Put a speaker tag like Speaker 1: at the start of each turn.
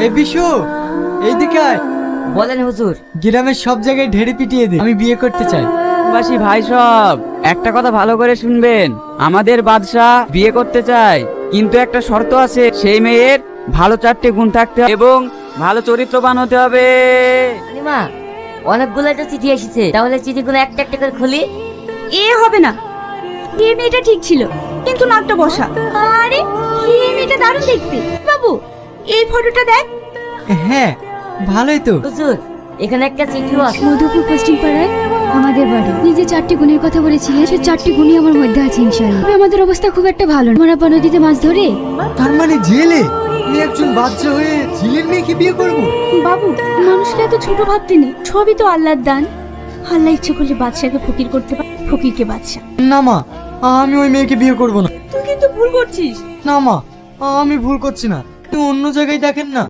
Speaker 1: এ বিশু, এইদিকে আয়।
Speaker 2: বলেন হুজুর।
Speaker 1: গ্রামের সব জায়গায় ঢেড়ে পিটিয়ে দে, আমি বিয়ে করতে চাই।
Speaker 3: বাসী ভাই সব একটা কথা ভালো করে শুনবেন, আমাদের বাদশা বিয়ে করতে চায়, কিন্তু একটা শর্ত আছে, সেই মেয়ের ভালো 4টে গুণ থাকতে হবে এবং ভালো চরিত্রবান হতে হবে।
Speaker 2: মা, অনেকগুলো তো চিঠি এসেছে, তাহলে চিঠিগুলো একটা একটা করে খুলি।
Speaker 4: এ হবে না, এই মেয়েটা ঠিক ছিল কিন্তু নাকটা বসা। আরে এই মেয়েটা দারুণ দেখতে। বাবু এই ফটোটা দেখ।
Speaker 1: হ্যাঁ, ভালোই তো।
Speaker 2: হুজুর, এখানে একটা চিঠিও আছে।
Speaker 5: মধুপুর পশ্চিম পাড়ায় আমাদের বাড়ি। নিজে 4টি গুণের কথা বলেছিলেন, সে 4টি গুণই আমার মধ্যে আছে ইনশাআল্লাহ। তবে আমাদের অবস্থা খুব একটা ভালো না। মারাপা নদীতে মাছ ধরে
Speaker 1: তার মানে জেলে? আমি একজন বাচ্চা হয়ে জেলের মেয়েকে বিয়ে করব?
Speaker 4: বাবু, মানুষকে এত ছোট ভাবতে নেই, সবই তো আল্লাহর দান। আল্লাহ ইচ্ছে করলে বাদশাকে ফকির করতে পারে, ফকিরকে বাদশা।
Speaker 1: না মা, আমি ওই মেয়েকে বিয়ে করব না।
Speaker 4: তুই কিন্তু ভুল করছিস।
Speaker 1: না মা, আমি ভুল করছি না, তুই অন্য জায়গায় দেখেন না।